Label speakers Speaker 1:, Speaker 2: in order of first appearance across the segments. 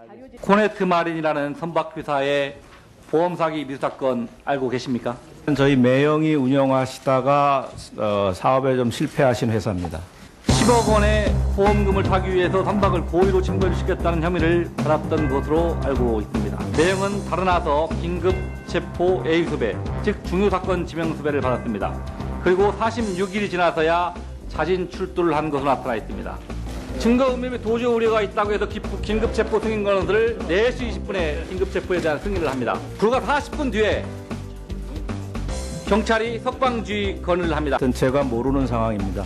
Speaker 1: 코네트 마린이라는 선박회사의 보험 사기 미수 사건 알고 계십니까?
Speaker 2: 저희 매형이 운영하시다가 사업에 좀 실패하신 회사입니다.
Speaker 1: 10억 원의 보험금을 타기 위해서 선박을 고의로 침몰시켰다는 혐의를 받았던 것으로 알고 있습니다. 매형은 달아나서 긴급 체포 A수배, 즉 중요사건 지명수배를 받았습니다. 그리고 46일이 지나서야 자진 출두를 한 것으로 나타나 있습니다. 증거 음림에 도주 우려가 있다고 해서 긴급 체포 승인 권한을 4시 20분에 긴급 체포에 대한 승인을 합니다. 불과 40분 뒤에 경찰이 석방주의 건을 합니다.
Speaker 2: 제가 모르는 상황입니다.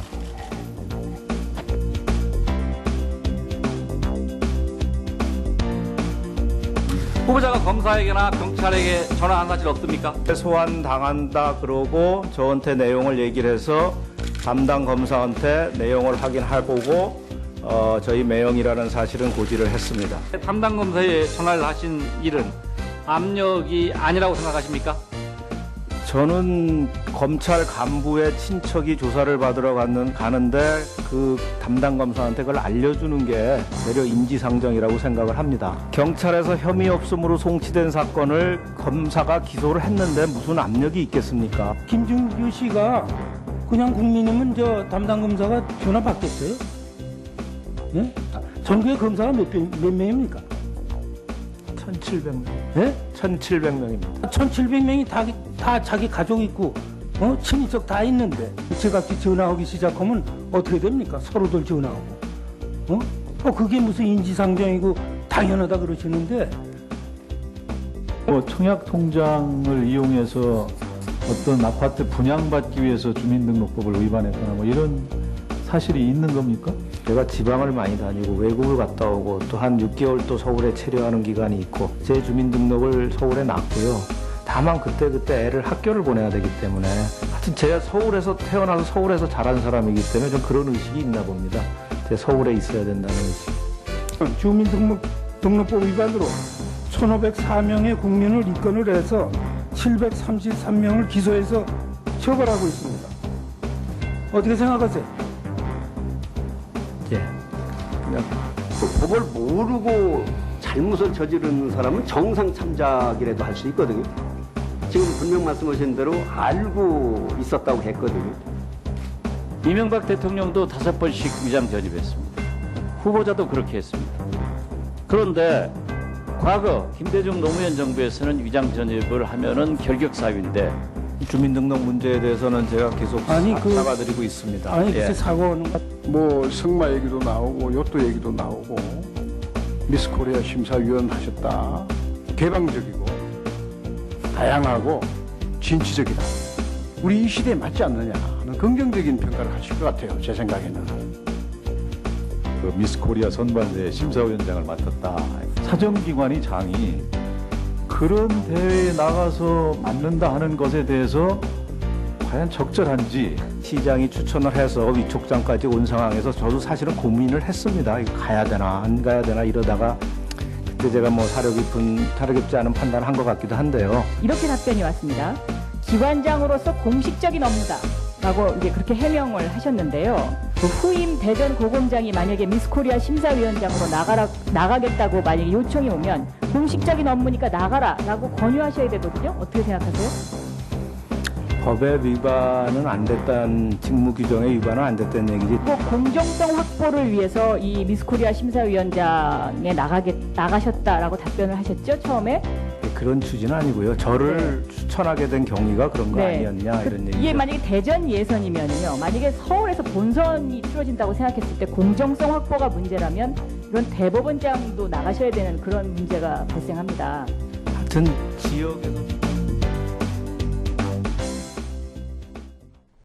Speaker 1: 후보자가 검사에게나 경찰에게 전화한 사실 없습니까?
Speaker 2: 소환 당한다 그러고 저한테 내용을 얘기를 해서 담당 검사한테 내용을 확인해보고 저희 매형이라는 사실은 고지를 했습니다.
Speaker 1: 담당 검사에 전화를 하신 일은 압력이 아니라고 생각하십니까?
Speaker 2: 저는 검찰 간부의 친척이 조사를 받으러 가는데 그 담당 검사한테 그걸 알려주는 게 되려 인지상정이라고 생각을 합니다. 경찰에서 혐의 없음으로 송치된 사건을 검사가 기소를 했는데 무슨 압력이 있겠습니까?
Speaker 3: 김준규 씨가 그냥 국민이면 저 담당 검사가 전화 받겠어요? 예? 전국의 검사가 몇 명입니까?
Speaker 2: 1,700명.
Speaker 3: 예?
Speaker 2: 1,700명입니다.
Speaker 3: 1,700명이 다 자기 가족 있고, 친인척 다 있는데, 제각기 전화하기 시작하면 어떻게 됩니까? 서로들 전화하고. 그게 무슨 인지상정이고 당연하다 그러시는데.
Speaker 4: 청약 통장을 이용해서 어떤 아파트 분양받기 위해서 주민등록법을 위반했거나 이런 사실이 있는 겁니까?
Speaker 2: 제가 지방을 많이 다니고 외국을 갔다 오고 또 한 6개월 또 서울에 체류하는 기간이 있고 제 주민등록을 서울에 놨고요. 다만 그때 애를 학교를 보내야 되기 때문에 하여튼 제가 서울에서 태어나서 서울에서 자란 사람이기 때문에 좀 그런 의식이 있나 봅니다. 제가 서울에 있어야 된다는 의식.
Speaker 3: 주민등록법 위반으로 1,504명의 국민을 입건을 해서 733명을 기소해서 처벌하고 있습니다. 어떻게 생각하세요?
Speaker 2: 예. 그냥
Speaker 5: 법을 모르고 잘못을 저지르는 사람은 정상 참작이라도 할 수 있거든요. 지금 분명 말씀하신 대로 알고 있었다고 했거든요.
Speaker 6: 이명박 대통령도 5번씩 위장 전입했습니다. 후보자도 그렇게 했습니다. 그런데 과거 김대중 노무현 정부에서는 위장 전입을 하면은 결격 사유인데
Speaker 2: 주민등록 문제에 대해서는 제가 계속 사과드리고 있습니다.
Speaker 3: 아니, 글쎄 사과하는
Speaker 7: 뭐 승마 얘기도 나오고 요또 얘기도 나오고 미스 코리아 심사위원 하셨다. 개방적이고 다양하고 진취적이다. 우리 이 시대에 맞지 않느냐 하는 긍정적인 평가를 하실 것 같아요. 제 생각에는.
Speaker 4: 그 미스 코리아 선발대 심사위원장을 맡았다. 사정기관이 장이 그런 대회에 나가서 맡는다 하는 것에 대해서 과연 적절한지
Speaker 2: 시장이 추천을 해서 위촉장까지 온 상황에서 저도 사실은 고민을 했습니다. 이거 가야 되나 안 가야 되나 이러다가 그때 제가 뭐 사려 깊지 않은 판단을 한 것 같기도 한데요.
Speaker 8: 이렇게 답변이 왔습니다. 기관장으로서 공식적인 업무다라고 이제 그렇게 해명을 하셨는데요. 그 후임 대전 고검장이 만약에 미스코리아 심사위원장으로 나가겠다고 만약에 요청이 오면 공식적인 업무니까 나가라라고 권유하셔야 되거든요. 어떻게 생각하세요?
Speaker 2: 법의 위반은 안 됐다는 직무 규정의 위반은 안 됐다는 얘기지.
Speaker 8: 뭐 공정성 확보를 위해서 이 미스코리아 심사위원장에 나가셨다라고 답변을 하셨죠 처음에?
Speaker 2: 그런 취지는 아니고요. 저를 추천하게 된 경위가 그런 거 아니었냐 이런 얘기죠.
Speaker 8: 이게 만약에 대전 예선이면요. 만약에 서울에서 본선이 치러진다고 생각했을 때 공정성 확보가 문제라면 이건 대법원장도 나가셔야 되는 그런 문제가 발생합니다.
Speaker 2: 하여튼 지역에서